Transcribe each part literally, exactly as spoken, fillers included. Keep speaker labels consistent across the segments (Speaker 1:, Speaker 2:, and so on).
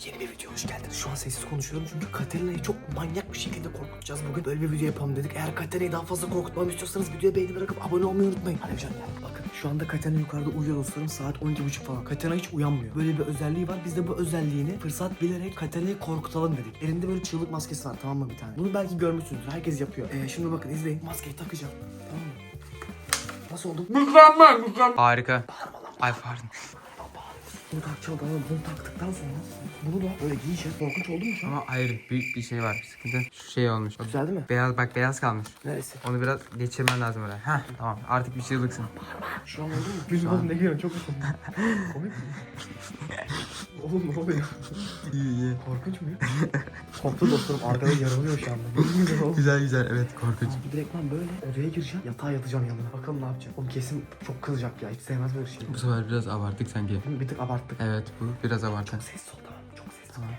Speaker 1: Yeni bir video hoş geldiniz. Şu an sessiz konuşuyorum çünkü Katerina'yı çok manyak bir şekilde korkutacağız bugün. Böyle bir video yapalım dedik. Eğer Katerina'yı daha fazla korkutmamı istiyorsanız videoya beğeni bırakıp abone olmayı unutmayın. Hadi canım gel. Bakın şu anda Katerina yukarıda uyuyor dostlarım. Saat on iki buçuk falan. Katerina hiç uyanmıyor. Böyle bir özelliği var. Biz de bu özelliğini fırsat bilerek Katerina'yı korkutalım dedik. Elinde böyle çığlık maskesi var, tamam mı, bir tane. Bunu belki görmüşsünüzdür. Herkes yapıyor. Ee, şimdi bakın izleyin. Maskeyi takacağım. Tamam mı? Nasıl oldu?
Speaker 2: Mükemmel mükemmel. Harika. Ay pardon.
Speaker 1: Bunu takacağım, tamam. Bunu taktıktan sonra bunu da böyle giyeceğiz. Korkunç oldu mu şu an?
Speaker 2: Ama hayır, büyük bir şey var, bir sıkıntı. Şu şey olmuş.
Speaker 1: Güzeldi mi?
Speaker 2: Beyaz, bak beyaz kalmış.
Speaker 1: Neresi?
Speaker 2: Onu biraz geçirmen lazım oraya. Heh, tamam, artık bir çığlıksın.
Speaker 1: Şu an oldu mu? Gülüm oğlum, ne gülüyorsun? Çok komik. Komik mi? Oğlum ne oluyor?
Speaker 2: İyi iyi.
Speaker 1: Korkunç mu? Korktu dostlarım, arkada yarılıyor şu anda.
Speaker 2: Güzel güzel, evet, korkunç.
Speaker 1: Abi direkt ben böyle odaya gireceğim, yatağa yatacağım yanına. Bakalım ne yapacak. Oğlum kesin çok kızacak ya, hiç sevmez böyle şeyi.
Speaker 2: Bu sefer biraz abarttık sanki.
Speaker 1: Bir tık abarttık.
Speaker 2: Evet, bu biraz abartı.
Speaker 1: Sessiz ol, tamam, çok sessiz.
Speaker 2: Tamam.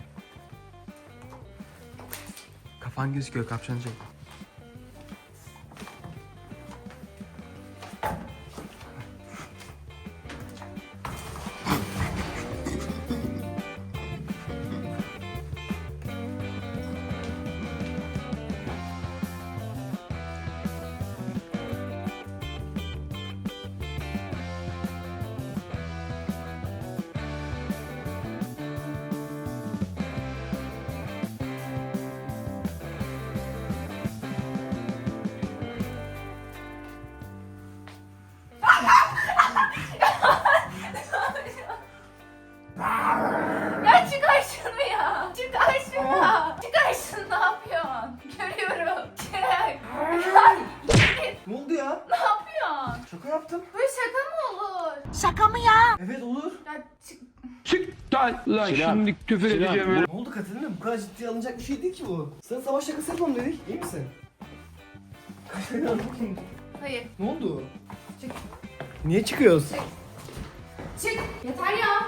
Speaker 2: Kafan gözüküyor, kapşoncu.
Speaker 3: Ya çıkar şunu ya. Çıkar şunu. Çıkar şunu, ne yapıyorsun? Görüyorum. Çık.
Speaker 1: Ne oldu ya?
Speaker 3: Ne yapıyorsun?
Speaker 1: Şaka yaptım.
Speaker 3: Böyle şaka mı olur?
Speaker 4: Şaka mı ya?
Speaker 1: Evet olur.
Speaker 3: Ya çık.
Speaker 2: Çık lan şimdi küfür edeceğim.
Speaker 1: Ne oldu Katerina? Bu kadar ciddiye alınacak bir şey değil ki bu. Sana savaş şakası yapalım dedik. İyi misin? Katerina
Speaker 3: Hayır.
Speaker 1: ne oldu?
Speaker 3: Çık.
Speaker 1: Niye çıkıyoruz?
Speaker 3: Çık. Yeter ya.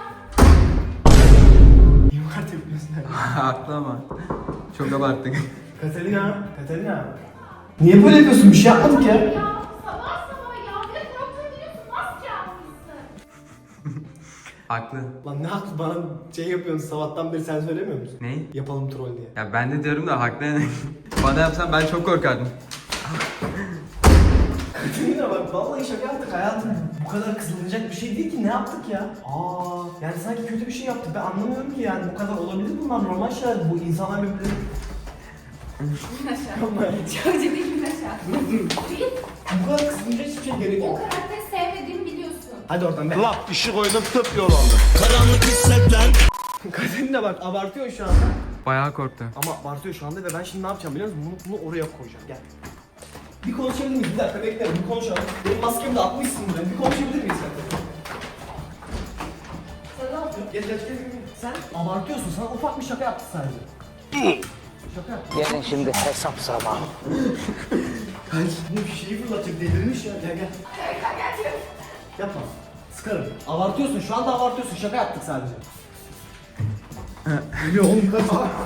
Speaker 1: Niye var tepkiyorsun?
Speaker 2: Haklı ama. Çok abarttık.
Speaker 1: Katerina, Katerina. Niye böyle yapıyorsun? Bir şey yapmadık ya.
Speaker 3: Ya sabah sabah ya. Bir de korktun diyorsun. Maske yapmışsın.
Speaker 2: Haklı.
Speaker 1: Lan ne haklı, bana şey yapıyorsun, sabahtan beri sen söylemiyor musun?
Speaker 2: Ne?
Speaker 1: Yapalım troll diye.
Speaker 2: Ya ben de diyorum da haklı yani. Bana yapsan ben çok korkardım.
Speaker 1: Katerina bak, vallahi şaka yaptık hayatım. Bu kadar kızılacak bir şey değil ki, ne yaptık ya? Aa, yani sanki kötü bir şey yaptık. Ben anlamıyorum ki yani, bu kadar olabilir bunlar, normal şeyler. Bu insanlar birbirleri...
Speaker 3: İn aşağı. Çok ciddi in aşağı.
Speaker 1: Dur dur.
Speaker 3: Değil.
Speaker 1: Bu kadar kızılacak hiçbir şey gerek
Speaker 3: O
Speaker 1: yok.
Speaker 3: karakteri sevmediğimi biliyorsun.
Speaker 1: Hadi oradan be.
Speaker 5: Lap işi koydum tıp yol oldu.
Speaker 1: Katerina bak, abartıyor şu anda.
Speaker 2: Bayağı korktu.
Speaker 1: Ama abartıyor şu anda ve ben şimdi ne yapacağım biliyor musun? Bunu, bunu oraya koyacağım. Gel. Bir konuşabilir miyiz? Bir dakika bekle, bir konuşalım. Benim maskemi de atmışsın buraya. Bir konuşabilir miyiz sen? Sen ne yapıyorsun? Gel gel gel. gel. Sen abartıyorsun. Sana ufak bir şaka yaptı sadece. Şaka yaptı.
Speaker 4: Gelin şimdi hesap zamanı.
Speaker 1: Kaç? Bu şişeyi fırlatacak, delirmiş ya. Gel gel.
Speaker 3: Gel gel gel.
Speaker 1: Yapma. Sıkarım. Abartıyorsun. Şu anda abartıyorsun. Şaka yaptık sadece. Geliyor oğlum, kaç.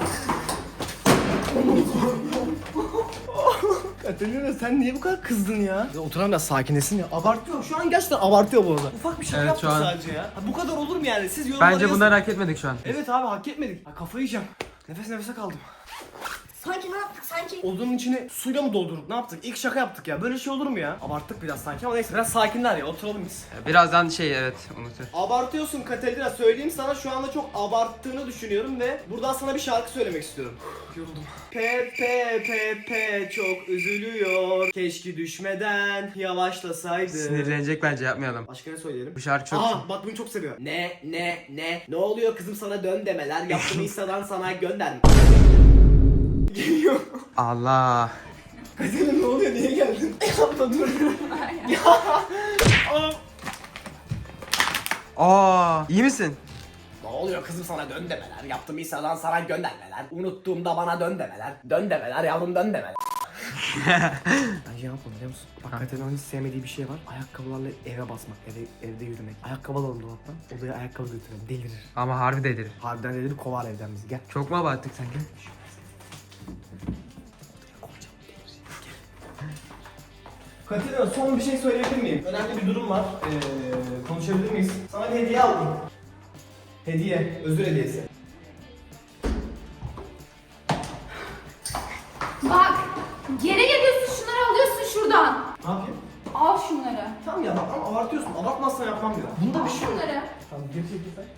Speaker 1: Katerina sen niye bu kadar kızdın ya? Ya oturan biraz sakinlesin ya. Abartıyor. Şu an gerçekten abartıyor bu arada. Ufak bir şaka
Speaker 2: Evet,
Speaker 1: yaptı
Speaker 2: şu an-
Speaker 1: sadece ya. Ha, bu kadar olur mu yani? Siz yorumlara
Speaker 2: Bence
Speaker 1: yazın.
Speaker 2: bunları hak etmedik şu an.
Speaker 1: Evet abi, hak etmedik. Ha, kafayı yiyeceğim. Nefes nefese kaldım.
Speaker 4: Sanki ne yaptık sanki?
Speaker 1: Odanın içine suyla mı doldurduk? Ne yaptık? İlk şaka yaptık ya. Böyle şey olur mu ya? Abarttık biraz sanki ama neyse, biraz sakinler ya. Oturalım biz.
Speaker 2: Birazdan şey, evet, unutur.
Speaker 1: Abartıyorsun Katerina, söyleyeyim sana, şu anda çok abarttığını düşünüyorum ve buradan sana bir şarkı söylemek istiyorum. Yoruldum. Pepe Pepe çok üzülüyor. Keşke düşmeden yavaşlasaydı.
Speaker 2: Sinirlenecek, bence yapmayalım.
Speaker 1: Başka ne söyleyelim?
Speaker 2: Bu şarkı çok...
Speaker 1: Aa bak, bunu çok seviyor. Ne ne ne ne oluyor kızım, sana dön demeler. Yaptığını Insta'dan sana gönder. Geliyor.
Speaker 2: Allah.
Speaker 1: Katerina ne oluyor, niye geldin? Yapma dur. Ya. Aa.
Speaker 2: Aa, iyi misin?
Speaker 1: Ne oluyor kızım, sana dön demeler. Yaptığım İsa'dan sana göndermeler. Unuttuğumda bana dön demeler. Dön demeler yavrum, dön demeler. Bence ne yapalım biliyor musun? Bak Katerina'nın hiç sevmediği bir şey var. Ayakkabılarla eve basmak, eve, evde yürümek. Ayakkabı alalım dolaptan. Odaya ayakkabı götürelim. Delirir.
Speaker 2: Ama harbi delirir.
Speaker 1: Harbiden delirir, kovar evden bizi. Gel.
Speaker 2: Çok mu abarttık sanki?
Speaker 1: Katerina, son bir şey söyleyebilir miyim? Önemli bir durum var. Ee, konuşabilir miyiz? Sana bir hediye aldım. Hediye, özür hediyesi.
Speaker 3: Geri geliyorsun, şunları alıyorsun şuradan.
Speaker 1: Ne yapayım?
Speaker 3: Al şunları.
Speaker 1: Tamam ya bak ama abartıyorsun. Abartmazsan yapmam ya. Bunda
Speaker 3: Al
Speaker 1: bir şey yok.
Speaker 3: şunları.
Speaker 1: Tamam geri çekil sen.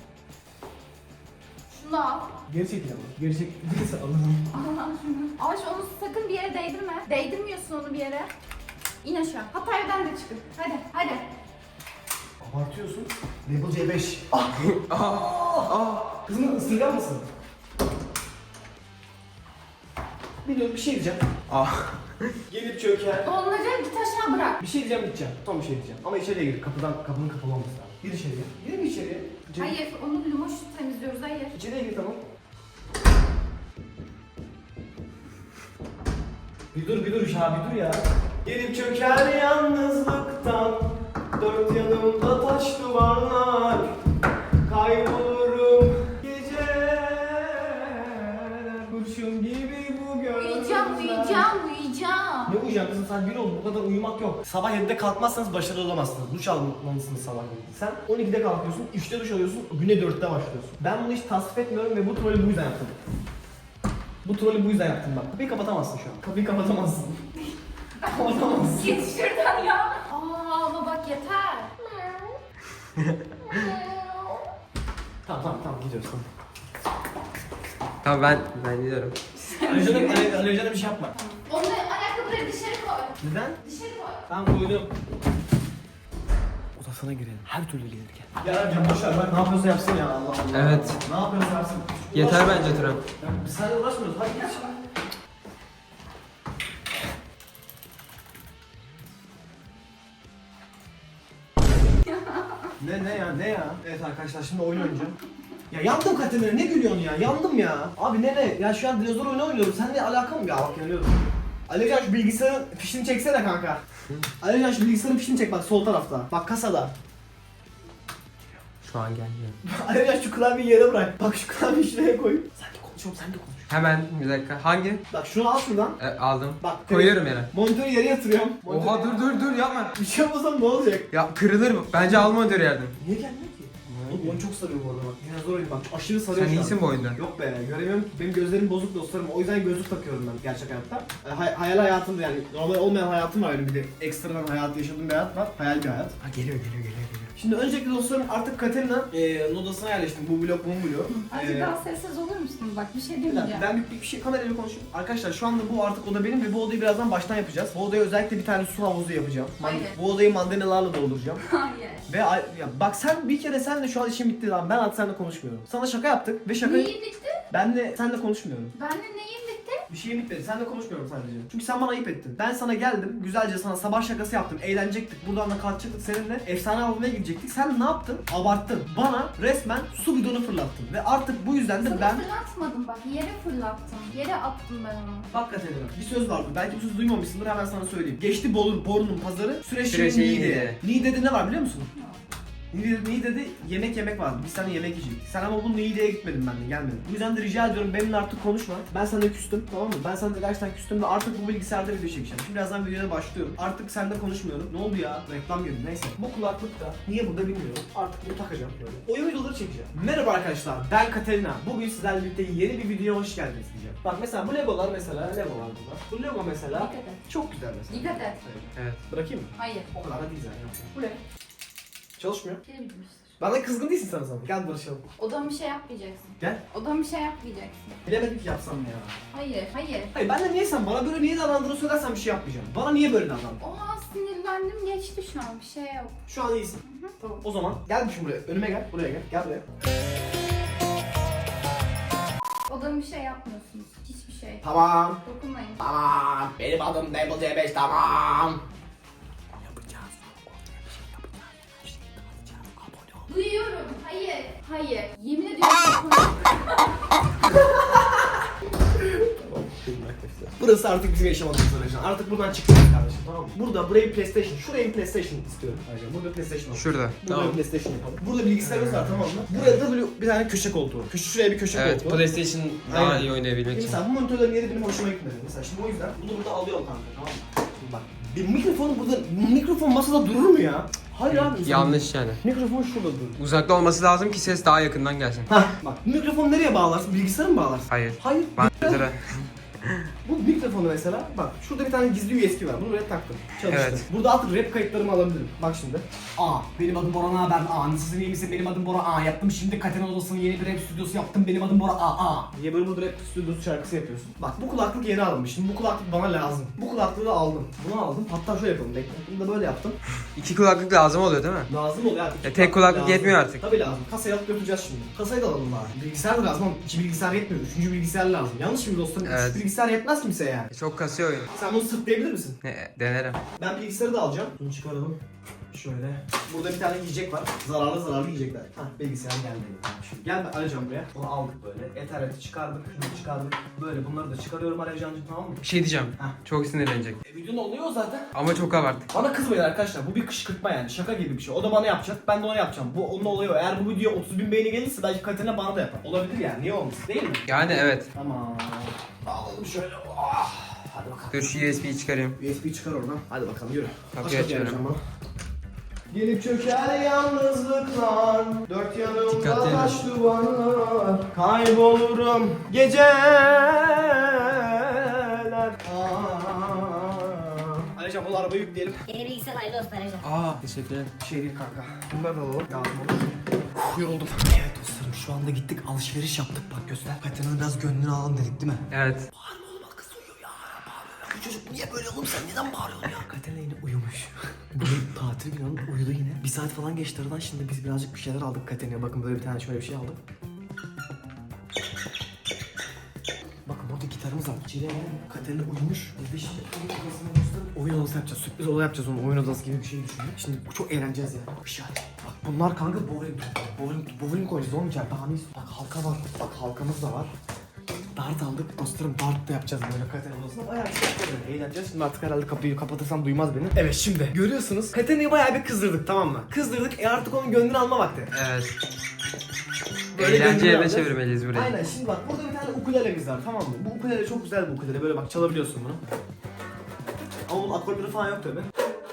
Speaker 3: Şunu al.
Speaker 1: Geri çekil ama. Geri çekil. Değilse alırım.
Speaker 3: Al şunu. Ama şu- onu sakın bir yere değdirme. Değdirmiyorsun onu bir yere. İn aşağı. Hatta evden de çıkın. Hadi, hadi.
Speaker 1: Abartıyorsun. Label C beş. Ah! Ah! Ah! Kızım ısırgan mısın? Biliyorum bir şey diyeceğim.
Speaker 2: Ah.
Speaker 1: Gelip çöker.
Speaker 3: Dolanacak, git aşağı bırak.
Speaker 1: Bir şey diyeceğim gideceğim. Tam bir şey diyeceğim. Ama içeriye gir. Kapıdan, kapının kapalı olması lazım. Gir içeriye. Gir mi içeriye? İçeri-
Speaker 3: Hayır, onu limoş temizliyoruz, hayır.
Speaker 1: İçeriye gir tamam. Bir dur bir dur ya bir dur ya. Gelip çöker yalnızlıktan. Dört yanımda taş duvarlar. Kaybolurum geceler. Kurşun gibi bu gözler.
Speaker 3: Uyuyacağım, uyuyacağım, uyuyacağım.
Speaker 1: Ne uyuyacaksın kızım sen gün oldu bu kadar uyumak yok. Sabah yedide kalkmazsanız başarılı olamazsınız. Duş almalısınız sabah yedide. Sen on ikide kalkıyorsun, üçte duş alıyorsun, güne dörtte başlıyorsun. Ben bunu hiç tasvip etmiyorum ve bu trolü bu yüzden yaptım. Bu trolü bu yüzden yaptım bak. Kapıyı kapatamazsın şu an. Kapıyı kapatamazsın. Kapatamazsın.
Speaker 3: Git şuradan ya. Aa ama bak yeter.
Speaker 1: Tamam tamam tamam gidiyoruz tamam.
Speaker 2: Tamam ben ben gidiyorum.
Speaker 1: Alevcan'a Ale- Alevcan'a bir şey yapma.
Speaker 3: Onu ayakkabıları dışarı koy.
Speaker 1: Neden?
Speaker 3: Dışarı koy.
Speaker 1: Ben koydum. Odasına girelim. Her türlü gelirken. Ya Alevcan boşver bak ne yapıyorsa yapsın ya Allah Allah.
Speaker 2: Evet.
Speaker 1: Ne yapıyorsa yapsın.
Speaker 2: Yeter
Speaker 1: Uğraşma.
Speaker 2: bence Turan.
Speaker 1: Ya biz seninle uğraşmıyoruz. Hadi geç. Ne ne ya ne ya? Evet arkadaşlar şimdi oyun oynayacağım. Ya yandım Katerina ne gülüyorsun ya? Yandım ya. Abi ne ne? Ya şu an dinozor oyunu oynuyorum. Seninle alakam mı ya? Bak yanıyorum. Alican şu bilgisayarın fişini çeksene kanka. Alican şu bilgisayarın fişini çek bak sol tarafta. Bak kasada.
Speaker 2: Şu an gelmiyor.
Speaker 1: Alican şu klavyeyi yere bırak. Bak şu klavyeyi şuraya koy. Sen de konuşuyorum sen de konuş.
Speaker 2: Hemen bir dakika. Hangi?
Speaker 1: Bak şunu al şuradan.
Speaker 2: E, aldım.
Speaker 1: Bak
Speaker 2: Koyuyorum yere.
Speaker 1: Monitörü yere yatırıyorum.
Speaker 2: Oha
Speaker 1: Monitörü-
Speaker 2: dur dur dur yapma.
Speaker 1: Bir şey yapmasam ne olacak?
Speaker 2: Ya kırılır bu. Bence alma ödür yerden.
Speaker 1: Niye gelmiyor ki? Oğlum oyun çok sarıyor bu arada bak. Dinozor oyunu bak aşırı sarıyor
Speaker 2: Sen
Speaker 1: şu an.
Speaker 2: iyisin bu oyunda.
Speaker 1: Yok be göremiyorum ki. Benim gözlerim bozuk dostlarım. O yüzden gözlük takıyorum ben gerçek hayatta. E, hay- hayal hayatımda yani normal olmayan hayatım var benim bir de ekstradan hayat yaşadığım bir hayat var. Hayal bir hayat. Ha geliyor geliyor geliyor geliyor. Şimdi öncelikle dostlarım artık Katerina e, odasına yerleştim. Bu blok bu blok.
Speaker 3: Azıcık
Speaker 1: E,
Speaker 3: daha sessiz olur musun? Bak bir şey
Speaker 1: bir dakika,
Speaker 3: demeyeceğim.
Speaker 1: ben bir, bir şey kamerayla konuşayım. Arkadaşlar şu anda bu artık oda benim ve bu odayı birazdan baştan yapacağız. Bu odaya özellikle bir tane su havuzu yapacağım. Man-
Speaker 3: Hayır.
Speaker 1: Bu odayı mandalinalarla dolduracağım.
Speaker 3: Hayır.
Speaker 1: Ve ay- ya bak sen bir kere senle şu an işim bitti lan. Ben artık seninle konuşmuyorum. Sana şaka yaptık ve şaka
Speaker 3: Neyin bitti?
Speaker 1: ben de seninle konuşmuyorum.
Speaker 3: Benle neyin bitti?
Speaker 1: Bir şeyim bitmedi. Seninle konuşmuyorum sadece. Çünkü sen bana ayıp ettin. Ben sana geldim. Güzelce sana sabah şakası yaptım. Eğlenecektik. Buradan da kalkacaktık seninle. Efsane avlamaya gidecektik. Sen ne yaptın? Abarttın. Bana resmen su bidonu fırlattın. Ve artık bu yüzden de
Speaker 3: Sana
Speaker 1: ben...
Speaker 3: fırlatmadım bak. Yere fırlattım. Yere attım ben onu.
Speaker 1: Bak Katerina, bir söz vardı. Belki bu sözü duymamışsındır. Hemen sana söyleyeyim. Geçti Bolu, Bornu'nun pazarı. Süreçli
Speaker 2: Süreçli
Speaker 1: Niğde.
Speaker 2: Niğde.
Speaker 1: Niğde'de ne var biliyor musun? Niğde'de, Niğde'de yemek yemek vardı. Biz seninle yemek yiyecektik. Sen ama bu Niğde'ye gitmedin benimle, gelmedin. Bu yüzden de rica ediyorum benimle artık konuşma. Ben seninle küstüm, tamam mı? Ben seninle gerçekten küstüm ve artık bu bilgisayarda video çekeceğim. Şimdi birazdan videoya başlıyorum. Artık seninle konuşmuyorum. Ne oldu ya? Reklam girdi. Neyse. Bu kulaklık da niye burada bilmiyorum. Artık bunu takacağım böyle. Oyun videoları çekeceğim. Merhaba arkadaşlar. Ben Katerina. Bugün sizlerle birlikte yeni bir videoya hoş geldiniz diyeceğim. Bak mesela bu Legolar mesela Legolar bunlar. Bu Lego mesela
Speaker 3: Dikkat et.
Speaker 1: çok güzel mesela.
Speaker 3: Dikkat et.
Speaker 1: Evet.
Speaker 2: Evet.
Speaker 1: Bırakayım mı?
Speaker 3: Hayır.
Speaker 1: O kadar da değil zaten. Bu ne? Çalışmıyor.
Speaker 3: Pili bitmiştir.
Speaker 1: Bana kızgın değilsin sen o zaman. Gel barışalım.
Speaker 3: Odama bir şey yapmayacaksın.
Speaker 1: Gel.
Speaker 3: Odama bir şey yapmayacaksın.
Speaker 1: Bilemedim ki yapsam ya.
Speaker 3: Hayır, hayır.
Speaker 1: Hayır ben de niye sen bana böyle niye davrandığını söylersen bir şey yapmayacağım. Bana niye böyle davrandın?
Speaker 3: O an sinirlendim geçti şu an. Bir şey yok.
Speaker 1: Şu an iyisin. Tamam. O zaman gel şimdi buraya. Önüme gel. Buraya gel. Gel buraya.
Speaker 3: Odama bir şey yapmıyorsunuz. Hiçbir şey.
Speaker 1: Tamam.
Speaker 3: Dokunmayın.
Speaker 1: Tamam. Benim adım Double C beş tamam.
Speaker 3: Duyuyorum. Hayır. Hayır. Yemin ediyorum dokunmayın.
Speaker 1: Burası artık bizim yaşamadığımız aracın. Artık buradan çıkacağız kardeşim tamam mı? Burada burayı PlayStation, şurayı PlayStation istiyorum. Ayrıca burada PlayStation olsun.
Speaker 2: Şurada.
Speaker 1: Burada
Speaker 2: Tamam.
Speaker 1: PlayStation yapalım. Burada bilgisayarımız var tamam mı? Buraya da böyle bir tane köşe koltuğu. Köşe şuraya bir köşe
Speaker 2: Evet,
Speaker 1: koltuğu.
Speaker 2: PlayStation daha
Speaker 1: Aynen.
Speaker 2: iyi oynayabilmek için.
Speaker 1: Mesela bu monitörlerin yeri benim hoşuma gitmedi. Mesela şimdi o yüzden bunu burada alıyorum kanka tamam mı? Şimdi bak. Bir mikrofonu burada, mikrofon masada durur mu ya? Hayır abi.
Speaker 2: Yanlış yani.
Speaker 1: Mikrofon şurada durur.
Speaker 2: Uzakta olması lazım ki ses daha yakından gelsin.
Speaker 1: Hah bak mikrofonu nereye bağlarsın? Bilgisayara mı bağlarsın?
Speaker 2: Hayır.
Speaker 1: Hayır.
Speaker 2: Bandıra.
Speaker 1: Bu mikrofonu mesela bak şurada bir tane gizli U S B var. Bunu buraya taktım. Çalıştı.
Speaker 2: Evet.
Speaker 1: Burada artık rap kayıtlarımı alabilirim. Bak şimdi. Aa benim adım Bora Naber. Aa nasılsın iyi misin? Benim adım Bora. Aa yaptım şimdi Katena Odası'nın yeni bir rap stüdyosu yaptım. Benim adım Bora. Aa aa. Niye böyle burada rap stüdyosu şarkısı yapıyorsun? Bak bu kulaklık yeni alınmış. Şimdi bu kulaklık bana lazım. Bu kulaklığı da aldım. Bunu aldım. Hatta şöyle yapalım. Bekle. Bunu da böyle yaptım.
Speaker 2: İki kulaklık lazım oluyor değil mi?
Speaker 1: Lazım oluyor abi.
Speaker 2: E, tek kulaklık
Speaker 1: lazım.
Speaker 2: yetmiyor artık.
Speaker 1: Tabii lazım. Kasayı alıp götüreceğiz şimdi. Kasayı da alalım bari. Bilgisayar da lazım ama iki bilgisayar yetmiyor. Üçüncü bilgisayar lazım. Yanlış mı dostlarım?
Speaker 2: Evet.
Speaker 1: Üç bilgisayar yetmez kimseye yani.
Speaker 2: E, Çok kasıyor oyun.
Speaker 1: Sen bunu sırtlayabilir misin?
Speaker 2: Ne, denerim.
Speaker 1: Ben bilgisayarı da alacağım. Bunu çıkaralım. Şöyle. Burada bir tane yiyecek var. Zararlı zararlı yiyecekler. Hah bilgisayar geldi. Şimdi gel ben arayacağım buraya. Onu aldık böyle. Ethernet'i çıkardık. Şunu çıkardık. Böyle bunları da çıkarıyorum arayacağım tamam mı?
Speaker 2: Bir şey diyeceğim.
Speaker 1: Heh.
Speaker 2: Çok sinirlenecek.
Speaker 1: E, videonun oluyor zaten.
Speaker 2: Ama çok abarttık.
Speaker 1: Bana kızmayın arkadaşlar. Bu bir kışkırtma yani. Şaka gibi bir şey. O da bana yapacak. Ben de ona yapacağım. Bu onun oluyor. Eğer bu video otuz bin beğeni gelirse belki Katerina bana da yapar. Olabilir yani. Niye olmasın değil mi?
Speaker 2: Yani evet.
Speaker 1: Tamam. Bağladım şöyle. Ah. Hadi bakalım.
Speaker 2: Dur şu U S B'yi çıkarayım.
Speaker 1: U S B'yi çıkar oradan. Hadi bakalım yürü.
Speaker 2: Kapıyı
Speaker 1: Aç kapıyı
Speaker 2: açıyorum.
Speaker 1: Ercan bana. Gelip çöker yalnızlıklar, dört yanımda
Speaker 2: Dikkatli
Speaker 1: taş duvarlar, kaybolurum geceler. Aleycan bu arabayı yükleyelim.
Speaker 4: Yeni bilgisayar hayırlı olsun Ercan.
Speaker 2: Aa teşekkür ederim.
Speaker 1: Bir şey değil kanka. Bunları da alalım. Lazım olur. Uf, yoruldum. Evet dostlarım şu anda gittik alışveriş yaptık bak göster. Katerina'nın biraz gönlünü alalım dedik değil mi?
Speaker 2: Evet.
Speaker 1: Bağırma oğlum kız uyuyor ya. Bağırıyor. Bu çocuk niye böyle oğlum sen neden bağırıyorsun ya? Katerina yine uyumuş. Bugün tatil günü uyudu yine. Bir saat falan geçti aradan şimdi biz birazcık bir şeyler aldık Katerina'ya. Bakın böyle bir tane şöyle bir şey aldım. Bakın burada gitarımız var. Çile Katerina uyumuş. Biz de şimdi oyun odasına gösterip oyun odası yapacağız. Sürpriz oda yapacağız onu. Oyun odası gibi bir şey düşündük. Şimdi çok eğleneceğiz yani. Bir şey hadi. Bak bunlar kanka bowling topu. Bowling, bowling koyacağız oğlum içeride. Daha ne istiyorsun? Bak halka var. Bak halkamız da var. Dart aldık. Dostlarım dart da yapacağız böyle Katerina odasında. Bayağı bir şey yapacağız. Eğleneceğiz. Şimdi artık herhalde kapıyı kapatırsam duymaz beni. Evet şimdi. Görüyorsunuz. Katerina'yı bayağı bir kızdırdık tamam mı? Kızdırdık. E artık onun gönlünü alma vakti.
Speaker 2: Evet.
Speaker 1: Böyle
Speaker 2: Eğlence
Speaker 1: gönlünü
Speaker 2: yerine
Speaker 1: alacağız.
Speaker 2: çevirmeliyiz burayı.
Speaker 1: Aynen şimdi bak burada bir tane ukulelemiz var tamam mı? Bu ukulele çok güzel bir ukulele böyle bak çalabiliyorsun bunu. Ama bunun akorları falan yok tabi.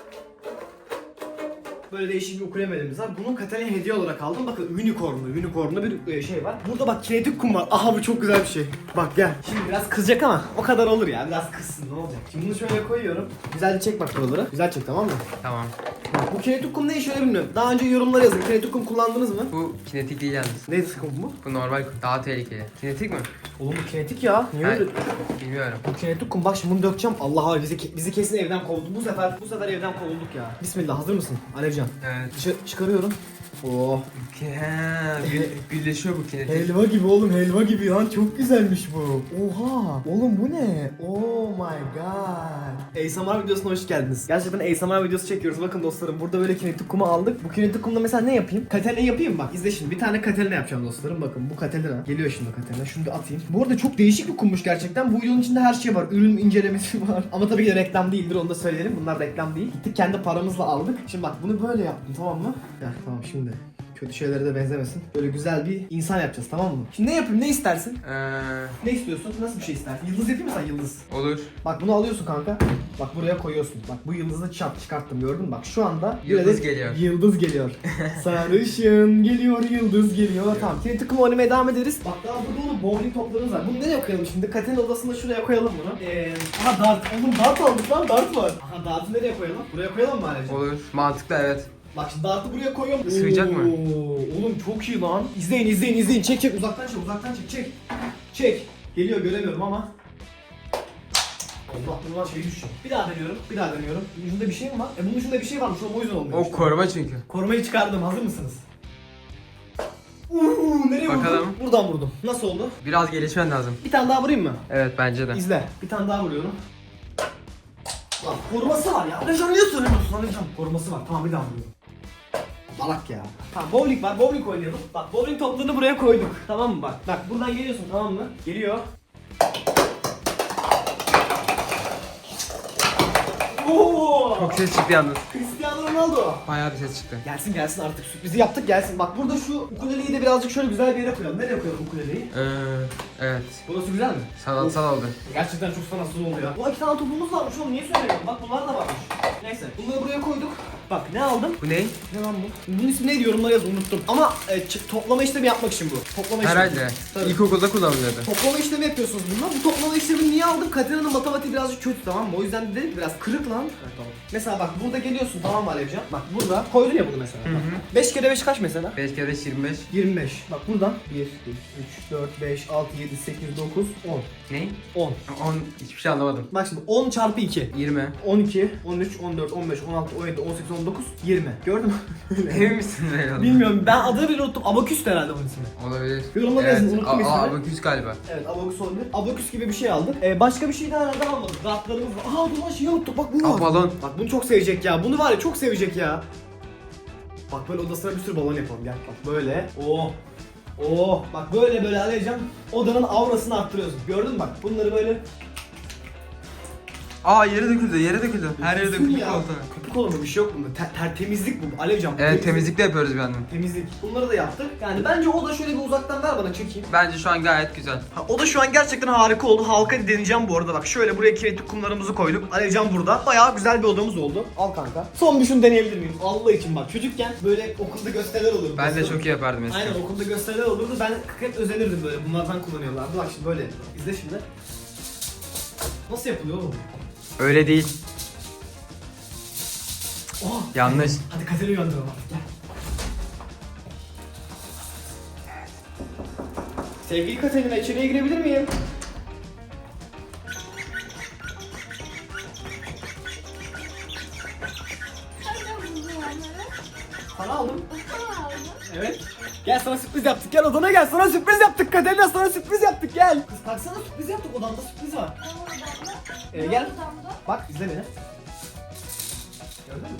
Speaker 1: Böyle değişik bir ukulemelimiz var. Bunu Katerina'ya hediye olarak aldım. Bakın unicornlu, unicornlu bir e, şey var. Burada bak kinetik kum var. Aha bu çok güzel bir şey. Bak gel. Şimdi biraz kızacak ama o kadar olur ya. Biraz kızsın ne olacak. Şimdi bunu şöyle koyuyorum. Güzelce çek bak buraları. Güzel çek tamam mı?
Speaker 2: Tamam.
Speaker 1: Bak bu kinetik kum ne işe yarıyor bilmiyorum. Daha önce yorumlara yazın. Kinetik kum kullandınız mı?
Speaker 2: Bu kinetik değil yalnız.
Speaker 1: Neydi kum bu?
Speaker 2: Bu normal kum. Daha tehlikeli. Kinetik mi?
Speaker 1: Oğlum bu kinetik ya. Niye
Speaker 2: Ben
Speaker 1: öyle?
Speaker 2: bilmiyorum.
Speaker 1: Bu kinetik kum bak şimdi bunu dökeceğim. Allah abi bizi, bizi kesin evden kovdu. Bu sefer bu sefer evden kovulduk ya. Bismillah hazır mısın Alevcan?
Speaker 2: Evet.
Speaker 1: Dışarı çıkarıyorum. Oh.
Speaker 2: Ha, gü- birleşiyor bu kinetik.
Speaker 1: Helva gibi oğlum helva gibi lan çok güzelmiş bu. Oha. Oğlum bu ne? Oh my god. A S M R videosuna hoş geldiniz. Gerçekten A S M R videosu çekiyoruz. Bakın dostlarım burada böyle kinetik kumu aldık. Bu kinetik kumda mesela ne yapayım? Katerina yapayım bak. İzle şimdi. Bir tane Katerina yapacağım dostlarım. Bakın bu Katerina. Geliyor şimdi Katerina. Şunu da atayım. Bu arada çok değişik bir kummuş gerçekten. Bu videonun içinde her şey var. Ürün incelemesi var. Ama tabii ki de reklam değildir onu da söyleyelim. Bunlar reklam değil. Gittik kendi paramızla aldık. Şimdi bak bunu böyle yaptım tamam mı? Ya tamam şimdi. Kötü şeylere de benzemesin. Böyle güzel bir insan yapacağız tamam mı? Şimdi ne yapayım? Ne istersin?
Speaker 2: Ee,
Speaker 1: Ne istiyorsun? Nasıl bir şey istersin? Yıldız yapayım mı sen yıldız?
Speaker 2: olur.
Speaker 1: Bak bunu alıyorsun kanka. Bak buraya koyuyorsun. Bak bu yıldızı çarp çıkarttım gördün mü? Bak şu anda bir
Speaker 2: Yıldız
Speaker 1: adet
Speaker 2: geliyor.
Speaker 1: Yıldız geliyor. Sarışın geliyor yıldız geliyor. Tamam. Kinetik kumu oynamaya devam ederiz. Bak daha burada oğlum bowling toplarımız var. Bunu nereye koyalım şimdi? Katerina odasında şuraya koyalım bunu. Eee aha dart. Oğlum dart aldık lan dart var. Aha dartı nereye koyalım? Buraya koyalım mı Alevciğim?
Speaker 2: Olur. Mantıklı evet.
Speaker 1: Bak şimdi dartı buraya koyuyorum.
Speaker 2: Sığacak mı?
Speaker 1: Oo, oğlum çok iyi lan. İzleyin izleyin izleyin. Çek çek uzaktan çek uzaktan çek çek. Çek. Geliyor göremiyorum ama. Allah bundan şey düşüyor. Bir daha deniyorum. Bir daha deniyorum. Ucunda bir şey mi var? E bunun ucunda bir şey varmış o yüzden olmuyor.
Speaker 2: O
Speaker 1: işte.
Speaker 2: koruma çünkü.
Speaker 1: Korumayı çıkardım. Hazır mısınız? Uuu nereye
Speaker 2: Bakalım.
Speaker 1: vurdum? Buradan vurdum. Nasıl oldu?
Speaker 2: Biraz gelişmen lazım.
Speaker 1: Bir tane daha vurayım mı?
Speaker 2: Evet bence de.
Speaker 1: İzle. Bir tane daha vuruyorum. Lan koruması var ya. Alevcan niye söylemiyorsun Alevcan? Koruması var. Tamam bir daha vuruyorum. Balak ya. Tamam bowling var. Bowling oynayalım. Bak bowling toplarını buraya koyduk. Tamam mı bak? Bak buradan geliyorsun tamam mı? Geliyor. Oo!
Speaker 2: Çok ses çıktı yalnız.
Speaker 1: Cristiano Ronaldo.
Speaker 2: Bayağı bir ses çıktı.
Speaker 1: Gelsin gelsin artık sürprizi yaptık gelsin. Bak burada şu ukuleleyi de birazcık şöyle güzel bir yere koyalım. Nereye koyalım ukuleleyi?
Speaker 2: Ee, evet.
Speaker 1: Burası güzel mi?
Speaker 2: Sanatsal oldu.
Speaker 1: Gerçekten çok sanatsız oldu ya. Bu iki tane topumuz varmış oğlum niye söylemiyorum? Bak bunlar da varmış. Neyse bunları buraya koyduk. Bak ne aldım?
Speaker 2: Bu ne?
Speaker 1: Ne lan bu? Bunun ismi neydi yorumlara yaz unuttum. Ama e, ç- toplama işlemi yapmak için bu. Toplama işlemi.
Speaker 2: Herhalde.
Speaker 1: Tabii.
Speaker 2: İlkokulda kullanılıyordu.
Speaker 1: Toplama işlemi yapıyorsunuz bununla. Bu toplama işlemini niye aldım? Katerina'nın matematiği birazcık kötü, tamam mı? O yüzden dedim ki biraz kırık lan. Evet, tamam. Mesela bak burada geliyorsun, tamam mı Alevcan? Bak burada koydun ya bunu mesela. beş kere beş kaç mesela?
Speaker 2: beş kere beş yirmi beş.
Speaker 1: yirmi beş. Bak buradan bir, iki, üç, dört, beş, altı, yedi, sekiz, dokuz, on.
Speaker 2: Ne?
Speaker 1: on.
Speaker 2: on. Hiçbir şey anlamadım.
Speaker 1: Bak şimdi on çarpı iki.
Speaker 2: yirmi.
Speaker 1: on iki, on üç, on dört, on beş, on altı, on yedi, on sekiz, on dokuz, yirmi. Gördün mü?
Speaker 2: Emin misin böyle olduğunu?
Speaker 1: Bilmiyorum, ben adını bile unuttum. Abaküs herhalde bunun ismi.
Speaker 2: Olabilir.
Speaker 1: Yorumlara yazın, unuttum
Speaker 2: Aa,
Speaker 1: ismini.
Speaker 2: abaküs galiba.
Speaker 1: Evet, abaküs olabilir. Abaküs gibi bir şey aldık. Ee, başka bir şey daha herhalde almadık. Rahatlarımız var. Aa dur lan şeyi unuttuk. Bak bu
Speaker 2: Aa,
Speaker 1: var.
Speaker 2: balon.
Speaker 1: Bak bunu çok sevecek ya. Bunu var ya çok sevecek ya. Bak böyle odasına bir sürü balon yapalım. Gel bak böyle. Oh. Oh. Bak böyle böyle Alevcan odanın aurasını arttırıyorsun. Gördün mü bak? Bunları böyle
Speaker 2: Aa yere döküldü, yere döküldü. Her yere döküldü
Speaker 1: ya.
Speaker 2: koltuğa.
Speaker 1: Köpük olur mu? Bir şey yok bunda. Ter, ter- temizlik bu Alevcan. bu
Speaker 2: Evet temizlik de yapıyoruz bir yandan.
Speaker 1: Temizlik. Bunları da yaptık. Yani bence o da şöyle bir uzaktan ver bana çekeyim.
Speaker 2: Bence şu an gayet güzel.
Speaker 1: Ha, o da şu an gerçekten harika oldu. Halka deneyeceğim bu arada. Bak şöyle buraya kinetik kumlarımızı koyduk. Alevcan burada. Bayağı güzel bir odamız oldu. Al kanka. Son bir şunu deneyebilir miyim? Allah için bak. Çocukken böyle okulda gösteriler olurdu.
Speaker 2: Ben de çok iyi yapardım eskiden.
Speaker 1: Aynen okulda gösteriler olurdu. Ben hep özenirdim böyle. Bunlardan kullanıyorlardı. Bak şimdi böyle. İzle şimdi. Nasıl yapılıyor oğlum?
Speaker 2: Öyle değil.
Speaker 1: Oh.
Speaker 2: Yanlış.
Speaker 1: Hadi Kater'i uyandıralım artık. Gel. Sevgili Katerina, içeriye girebilir miyim? Sana aldım. Evet. Gel sana sürpriz yaptık. Gel odana gel. Sana sürpriz yaptık Katerina. Sana sürpriz yaptık. Gel. Kız kalksana sürpriz yaptık. Odamda sürpriz var. Ee, gel. Bak izle beni. Gördün mü?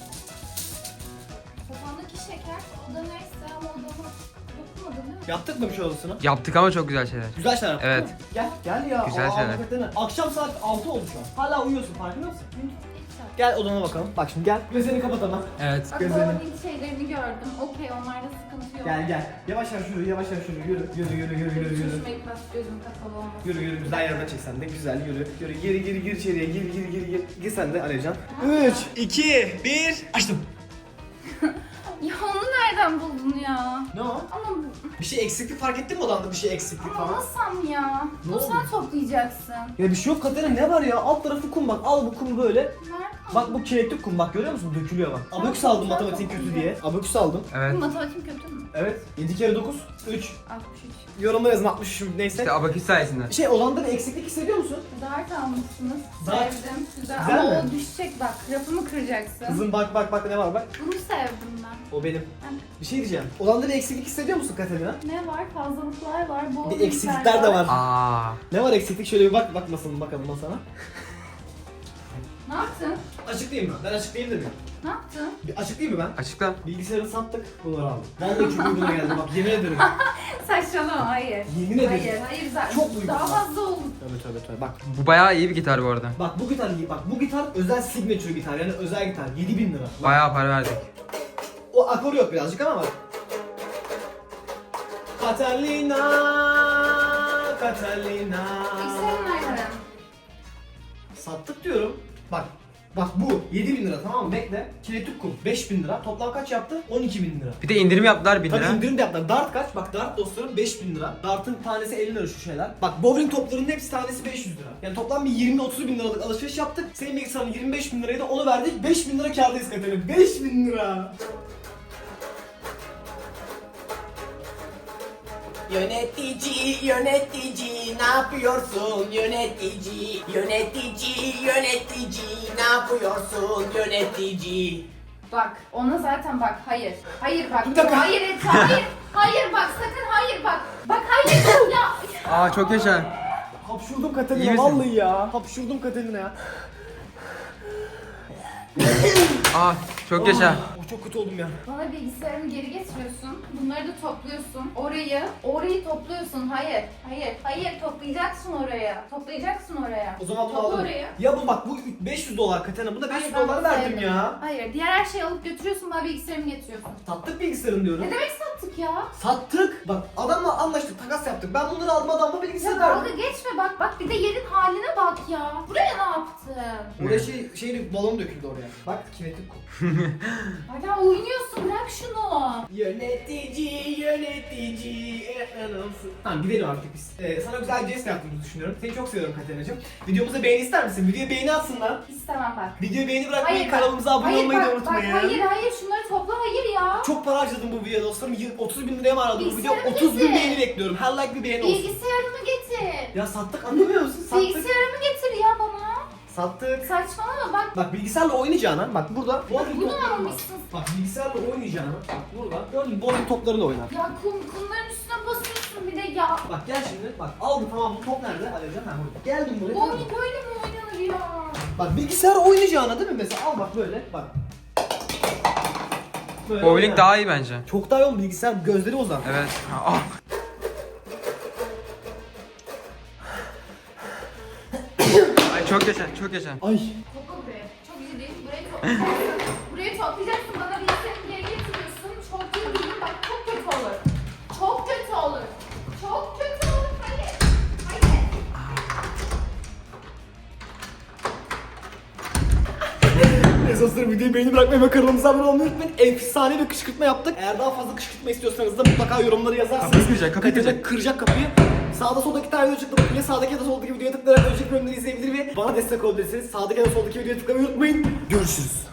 Speaker 3: Kafandaki şeker oda neyse ama odama dokunmadın değil mi?
Speaker 1: Yaptık mı bir şey odasına?
Speaker 2: Yaptık ama çok güzel şeyler.
Speaker 1: Güzel şeyler yaptık
Speaker 2: Evet.
Speaker 1: değil mi? Gel. Gel ya.
Speaker 2: Güzel
Speaker 1: Aa,
Speaker 2: şeyler.
Speaker 1: hakikaten. Akşam saat altı oldu şu an. Hala uyuyorsun farkında mısın? Gel odana bakalım. Bak şimdi gel. Gözlerini kapat ama.
Speaker 2: Evet.
Speaker 3: Bak
Speaker 1: Gözlerini.
Speaker 3: bowling şeylerini gördüm. Okey onlarda sıkıntı yok.
Speaker 1: Gel gel. Yavaş yavaş yürü, yavaş yavaş yürü. Yürü, yürü, yürü, yürü, yürü, yürü.
Speaker 3: Çeşme ilk baş gözüm kapalı olmasın.
Speaker 1: Yürü yürü güzel yerden çek sen de güzel yürü. Yürü geri geri gir içeriye gir gir gir gir. Gir sen de Alevcan. üç, iki, bir. Açtım.
Speaker 3: Ya onu nereden buldun ya?
Speaker 1: Ne o?
Speaker 3: Ama
Speaker 1: Bir şey eksiklik fark ettin mi odanda bir şey eksiklik falan?
Speaker 3: almasam ya.
Speaker 1: Ne
Speaker 3: Bu
Speaker 1: oldu?
Speaker 3: sen toplayacaksın.
Speaker 1: Ya bir şey yok Katerina ne var ya? Alt tarafı kum bak. Al bu kumu böyle.
Speaker 3: Nereden?
Speaker 1: Bak bu kinetik kum bak görüyor musun? Dökülüyor bak. Abaküs aldım matematiğin kötü diye. Abaküs aldım.
Speaker 2: Evet.
Speaker 3: Matematiğim kötü mü?
Speaker 1: Evet. yedi kere dokuz, üç.
Speaker 3: altmış üç.
Speaker 1: Yorumlara yazın altmış üç neyse.
Speaker 2: İşte abaküs sayesinde.
Speaker 1: Şey odanda bir eksiklik hissediyor musun?
Speaker 3: Dart almışsınız.
Speaker 1: Dart.
Speaker 3: Sevdim. Güzel.
Speaker 1: Güzel
Speaker 3: Ama
Speaker 1: mi?
Speaker 3: o düşecek bak. Rafımı kıracaksın.
Speaker 1: Kızım bak bak bak ne var bak.
Speaker 3: Bunu sevdim ben.
Speaker 1: O benim. Bir şey diyeceğim. Odanda bir eksiklik hissediyor musun Katerina?
Speaker 3: Ne var? Fazlalıklar var. Bol
Speaker 1: Bir eksiklikler de var.
Speaker 2: Aa.
Speaker 1: Ne var eksiklik? Şöyle bir bak bakmasın bakalım masana.
Speaker 3: Ne yaptın?
Speaker 1: Açıklayayım mı? Ben açıklayayım dedim.
Speaker 3: Ne yaptın?
Speaker 1: Bir açıklayayım mı ben?
Speaker 2: Açıkla.
Speaker 1: Bilgisayarı sattık, bunları aldım. Vallahi çok uyguna geldi bak yemin ederim.
Speaker 3: Saçmalama hayır.
Speaker 1: Yemin ederim.
Speaker 3: Hayır, hayır zaten.
Speaker 1: Çok uygun.
Speaker 3: Daha fazla oldu.
Speaker 1: Tövbe tövbe tövbe bak.
Speaker 2: Bu bayağı iyi bir gitar bu arada.
Speaker 1: Bak bu gitar iyi bak bu gitar özel signature gitar yani özel gitar yedi bin lira. Bak,
Speaker 2: Bayağı para verdik.
Speaker 1: o akor yok birazcık ama bak. Catalina, Catalina.
Speaker 3: Bilgisayarın nerede?
Speaker 1: Sattık diyorum. Bak. Bak bu yedi bin lira tamam mı? Bekle. Kinetik kum beş bin lira. Toplam kaç yaptı? on iki bin lira.
Speaker 2: Bir de indirim yaptılar bin
Speaker 1: Tabii
Speaker 2: lira.
Speaker 1: indirim de yaptılar. Dart kaç? Bak dart dostlarım beş bin lira. Dart'ın tanesi elli lira şu şeyler. Bak bowling toplarının hepsi tanesi beş yüz lira. Yani toplam bir yirmi otuz bin liralık alışveriş yaptık. Senin bilgisayarın yirmi beş bin liraydı onu verdik. beş bin lira kârdayız Katerina. beş bin lira.
Speaker 6: Yönetici, yönetici, ne yapıyorsun yönetici? Yönetici, yönetici, ne yapıyorsun yönetici?
Speaker 3: Bak ona zaten bak hayır. Hayır bak.
Speaker 1: Bir dakika.
Speaker 3: Hayır et hayır. Hayır bak sakın hayır bak. Bak hayır ya.
Speaker 2: Aa çok yaşa.
Speaker 1: Hapşurdum
Speaker 2: İyi
Speaker 1: Katerina
Speaker 2: misin?
Speaker 1: vallahi ya. Hapşurdum Katerina ya.
Speaker 2: Aa çok yaşa.
Speaker 1: Oh, çok kötü oldum ya.
Speaker 3: Bana bilgisayarımı geri getiriyorsun. Bunları da topluyorsun. Orayı, orayı topluyorsun. Hayır, hayır, hayır toplayacaksın oraya. Toplayacaksın oraya.
Speaker 1: O zaman bunu
Speaker 3: Topla
Speaker 1: alalım.
Speaker 3: oraya.
Speaker 1: Ya bu bak bu beş yüz dolar Katerina. Buna beş yüz
Speaker 3: Hayır, ben
Speaker 1: dolar
Speaker 3: bunu
Speaker 1: verdim
Speaker 3: sevdim.
Speaker 1: ya.
Speaker 3: Hayır, diğer her şeyi alıp götürüyorsun. Bana bilgisayarımı getiriyorsun.
Speaker 1: Sattık bilgisayarını diyorum.
Speaker 3: Ne demek sattık ya?
Speaker 1: Sattık. Bak adamla anlaştık, takas yaptık. Ben bunları aldım adamla bilgisayar
Speaker 3: Ya dalga
Speaker 1: verdim.
Speaker 3: geçme bak. Bak bir de yerin haline bak ya. Buraya ne yaptın?
Speaker 1: Oraya şey, şey balon döküldü oraya. Bak kinetik kum.
Speaker 3: Hala oynuyorsun, bırak şunu.
Speaker 6: Yönetici, yönetici, efendim.
Speaker 1: Tamam gidelim artık biz. Ee, sana güzel bir jest yaptığımızı düşünüyorum. Seni çok seviyorum Katerina'cığım. Videomuza beğeni ister misin? Videoya beğeni atsınlar.
Speaker 3: İstemem bak.
Speaker 1: Videoya beğeni bırakmayı,
Speaker 3: Hayır, bak.
Speaker 1: kanalımıza abone
Speaker 3: Hayır,
Speaker 1: olmayı
Speaker 3: bak,
Speaker 1: da unutmayın.
Speaker 3: Bak, hayır hayır şunları topla, hayır ya.
Speaker 1: Çok para harcadım bu videoya dostlarım. Y- otuz bin liraya mı aradım bu video?
Speaker 3: Bilgisayarımı
Speaker 1: otuz bin
Speaker 3: getir.
Speaker 1: beğeni bekliyorum. Her like bir beğeni olsun.
Speaker 3: Bilgisayarımı getir.
Speaker 1: Ya sattık, anlamıyor musun? Sattık.
Speaker 3: Bilgisayarımı getir ya bana.
Speaker 1: Sattık.
Speaker 3: Saçmalama bak.
Speaker 1: Bak bilgisayarla oynayacağına, bak burada bowling
Speaker 3: Bunu
Speaker 1: topları var.
Speaker 3: almışsın.
Speaker 1: Bak bilgisayarla oynayacağına, bak burada gördün mü bowling toplarıyla oynar.
Speaker 3: Ya kum, kumların üstüne basıyorsun bir de ya.
Speaker 1: Bak gel şimdi, bak aldım tamam bu top nerede? Alevcan ha burada. Geldim buraya. tamam mı?
Speaker 3: Bowling böyle mi oynanır ya?
Speaker 1: Bak bilgisayar oynayacağına değil mi mesela? Al bak böyle bak. Böyle
Speaker 2: Bowling
Speaker 1: oynar.
Speaker 2: daha iyi bence.
Speaker 1: Çok daha iyi oğlum, bilgisayar gözleri uzak.
Speaker 2: Evet. Ah. Ay çok yaşa, çok yaşa.
Speaker 1: Ay.
Speaker 3: Topla buraya. Çok iyi değil. Burayı toplayacaksın. Burayı toplayacaksın. Bana bilgisayarımı geri getiriyorsun. Çok iyi değil. Bak çok kötü olur. Çok kötü olur. Çok kötü olur. Hayır. Hayır.
Speaker 1: Neyse dostlarım videoyu beğeni bırakmayı ve kanalımıza abone olmayı unutmayın. Efsane bir kışkırtma yaptık. Eğer daha fazla kışkırtma istiyorsanız da mutlaka yorumlara yazarsınız.
Speaker 2: Kapıyı kıracak, kapıyı
Speaker 1: Katerina
Speaker 2: kıracak.
Speaker 1: kıracak kapıyı. Sağda soldaki tane video çıktı. Bakın ya sağdaki ya da soldaki videoya tıklayarak önceki bölümleri izleyebilir ve bana destek olabilirsiniz. Sağdaki ya da soldaki videoya tıklamayı unutmayın. Görüşürüz.